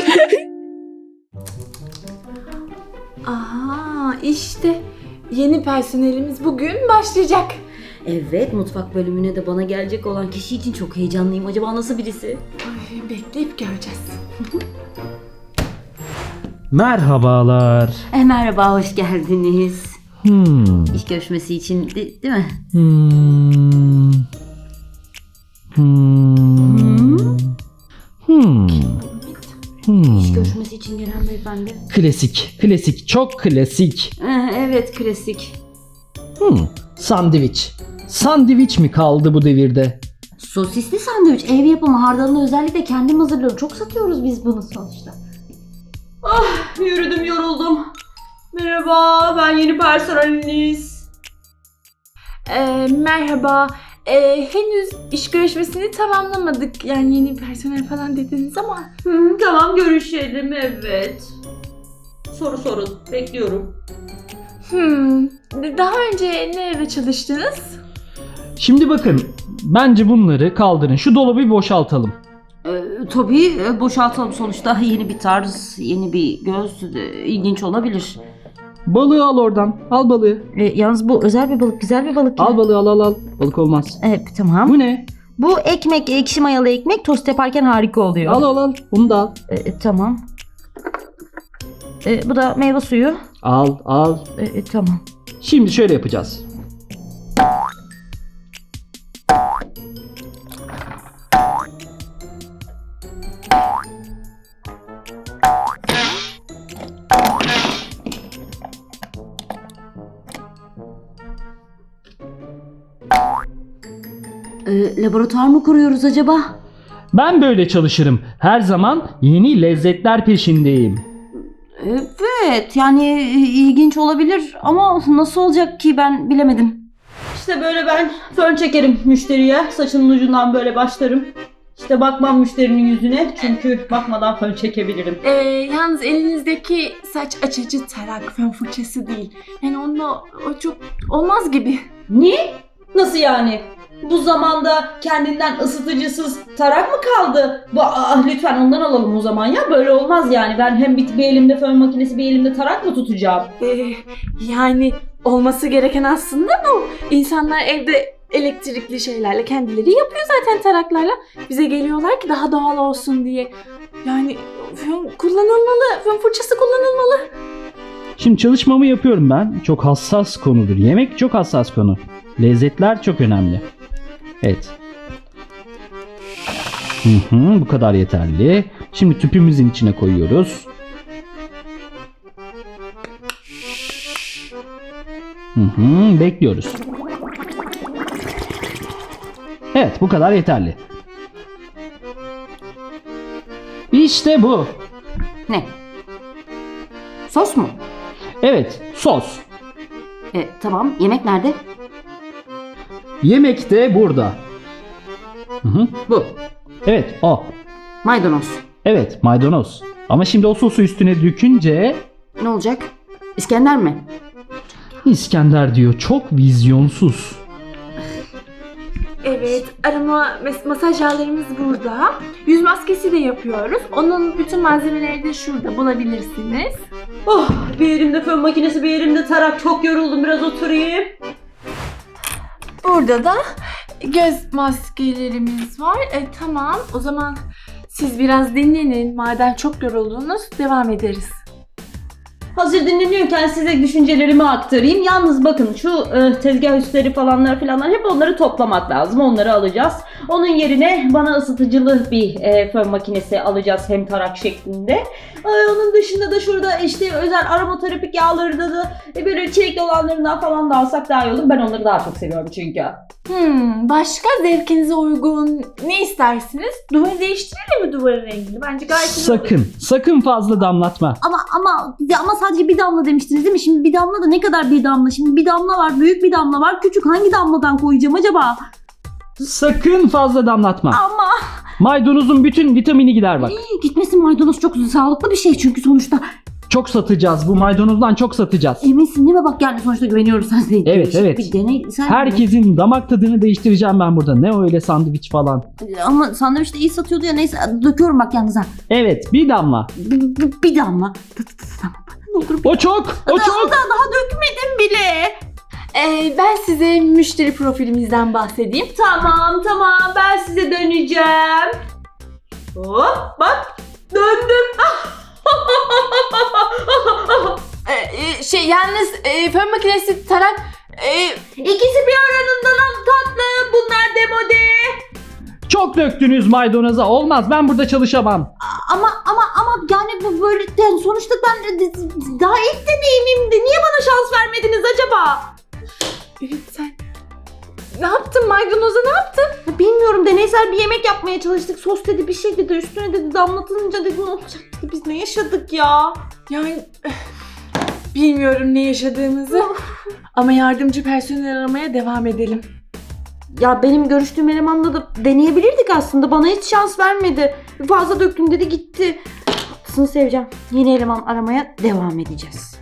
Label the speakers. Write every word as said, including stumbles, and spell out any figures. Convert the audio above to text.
Speaker 1: Aha, işte yeni personelimiz bugün başlayacak.
Speaker 2: Evet, mutfak bölümüne de bana gelecek olan kişi için çok heyecanlıyım. Acaba nasıl birisi?
Speaker 1: Ay, bekleyip göreceğiz.
Speaker 3: Merhabalar.
Speaker 2: E, merhaba, hoş geldiniz.
Speaker 3: Hmm.
Speaker 2: İş görüşmesi için de, değil mi?
Speaker 3: Hmm. Hmm. Hmm. Hmm.
Speaker 2: İş görüşmesi için gelen beyefendi.
Speaker 3: Klasik, klasik, çok klasik.
Speaker 2: E, evet, klasik.
Speaker 3: Hmm. Sandviç. Sandviç mi kaldı bu devirde?
Speaker 2: Sosisli sandviç, ev yapımı, hardalını özellikle kendim hazırlıyorum. Çok satıyoruz biz bunu sonuçta. Ah, yürüdüm, yoruldum. Merhaba, ben yeni personeliniz.
Speaker 1: Ee, merhaba. Ee, henüz iş görüşmesini tamamlamadık. Yani yeni personel falan dediniz ama.
Speaker 2: Hı, tamam, görüşelim, evet. Soru sorun, bekliyorum.
Speaker 1: Hmm, daha önce nerede çalıştınız?
Speaker 3: Şimdi bakın, bence bunları kaldırın. Şu dolabı bir boşaltalım.
Speaker 2: Ee, tabii e, boşaltalım, sonuçta yeni bir tarz, yeni bir göz, e, ilginç olabilir.
Speaker 3: Balığı al oradan. Al balığı.
Speaker 2: E, yalnız bu özel bir balık, güzel bir balık.
Speaker 3: Al balığı, al al al. Balık olmaz.
Speaker 2: Evet, tamam.
Speaker 3: Bu ne?
Speaker 2: Bu ekmek, ekşi mayalı ekmek, tost yaparken harika oluyor.
Speaker 3: Al al al. Bunu da al.
Speaker 2: E, tamam. E, bu da meyve suyu.
Speaker 3: Al al.
Speaker 2: E, e, tamam.
Speaker 3: Şimdi şöyle yapacağız.
Speaker 2: E, laboratuvar mı kuruyoruz acaba?
Speaker 3: Ben böyle çalışırım. Her zaman yeni lezzetler peşindeyim.
Speaker 2: Evet, yani e, ilginç olabilir ama nasıl olacak ki, ben bilemedim. İşte böyle ben fön çekerim müşteriye. Saçının ucundan böyle başlarım. İşte bakmam müşterinin yüzüne, çünkü bakmadan fön çekebilirim.
Speaker 1: Ee, yalnız elinizdeki saç açıcı tarak, fön fırçası değil. Yani onunla o çok olmaz gibi.
Speaker 2: Ne? Nasıl yani? Bu zamanda kendinden ısıtıcısız tarak mı kaldı? Bu, ah, lütfen ondan alalım o zaman ya. Böyle olmaz yani. Ben hem bir, bir elimde fön makinesi, bir elimde tarak mı tutacağım?
Speaker 1: Ee, yani olması gereken aslında bu. İnsanlar evde elektrikli şeylerle kendileri yapıyor zaten taraklarla. Bize geliyorlar ki daha doğal olsun diye. Yani fön kullanılmalı, fön fırçası kullanılmalı.
Speaker 3: Şimdi çalışmamı yapıyorum ben. Çok hassas konudur. Yemek çok hassas konu. Lezzetler çok önemli. Evet. Hı hı, bu kadar yeterli. Şimdi tüpümüzün içine koyuyoruz. Hı hı, bekliyoruz. Evet, bu kadar yeterli. İşte bu.
Speaker 2: Ne? Sos mu?
Speaker 3: Evet, sos.
Speaker 2: E, tamam. Yemek nerede?
Speaker 3: Yemek de burada. Hı hı.
Speaker 2: Bu.
Speaker 3: Evet, o.
Speaker 2: Maydanoz.
Speaker 3: Evet, maydanoz. Ama şimdi o sosu üstüne dökünce
Speaker 2: Ne olacak? İskender mi?
Speaker 3: İskender diyor. Çok vizyonsuz.
Speaker 1: Evet, arama mes- masaj yağlarımız burada. Yüz maskesi de yapıyoruz. Onun bütün malzemeleri de şurada bulabilirsiniz.
Speaker 2: Oh, bir elimde fön makinesi, bir elimde tarak. Çok yoruldum, biraz oturayım.
Speaker 1: Burada da göz maskelerimiz var. E, tamam, o zaman siz biraz dinlenin. Madem çok yoruldunuz, devam ederiz.
Speaker 2: Hazır dinleniyorken size düşüncelerimi aktarayım. Yalnız bakın, şu e, tezgah üstleri falanlar filanlar, hep onları toplamak lazım. Onları alacağız. Onun yerine bana ısıtıcılı bir e, fön makinesi alacağız, hem tarak şeklinde. E, onun dışında da şurada işte özel aromaterapik yağları da e, böyle çilekli olanlarından falan da alsak daha iyi olur. Ben onları daha çok seviyorum çünkü.
Speaker 1: Hmm, başka zevkinize uygun ne istersiniz? Duvarı değiştirelim mi, duvarın rengini? Bence gayet güzel olur.
Speaker 3: Sakın, sakın fazla damlatma.
Speaker 2: Ama ama ama sadece bir damla demiştiniz değil mi? Şimdi bir damla da ne kadar bir damla? Şimdi bir damla var, büyük bir damla var, küçük. Hangi damladan koyacağım acaba?
Speaker 3: Sakın fazla damlatma.
Speaker 2: Ama
Speaker 3: Maydanozun bütün vitamini gider bak.
Speaker 2: gitmesin, maydanoz çok sağlıklı bir şey çünkü sonuçta.
Speaker 3: Çok satacağız. Bu maydanozdan çok satacağız.
Speaker 2: Eminsin değil mi? Bak yani sonuçta güveniyoruz sen.
Speaker 3: Evet,
Speaker 2: Değişik
Speaker 3: evet.
Speaker 2: Bir deney. Sen
Speaker 3: Herkesin damak tadını değiştireceğim ben burada. Ne öyle sandviç falan.
Speaker 2: Ama sandviç de iyi satıyordu ya. Neyse döküyorum bak yalnız ha.
Speaker 3: Evet, bir damla.
Speaker 2: Bir, bir, bir damla. Tamam. Ne olur bir
Speaker 3: O çok, o çok.
Speaker 2: daha, daha dökmedim bile.
Speaker 1: Ee, ben size müşteri profilimizden bahsedeyim.
Speaker 2: Tamam tamam ben size döneceğim. Hop bak döndüm.
Speaker 1: Ee, şey yalnız e, fön makinesi, tarak... E,
Speaker 2: İkisi bir aranından tatlı. Bunlar demode.
Speaker 3: Çok döktünüz maydanoza. Olmaz. Ben burada çalışamam.
Speaker 2: Ama ama ama yani bu böyle yani sonuçta ben de- daha ilk deneyimimdi. Niye bana şans vermediniz acaba?
Speaker 1: evet, sen ne yaptın maydanoza, ne yaptın?
Speaker 2: Bilmiyorum, deneysel bir yemek yapmaya çalıştık. Sos dedi, bir şey dedi, üstüne dedi, damlatınca dedi ne olacak dedi. Biz ne yaşadık ya?
Speaker 1: Yani bilmiyorum ne yaşadığımızı ama yardımcı personel aramaya devam edelim.
Speaker 2: Ya benim görüştüğüm elemanla da deneyebilirdik aslında. Bana hiç şans vermedi. Fazla döktüm dedi gitti. Haklısın Sevcan. Yeni eleman aramaya devam edeceğiz.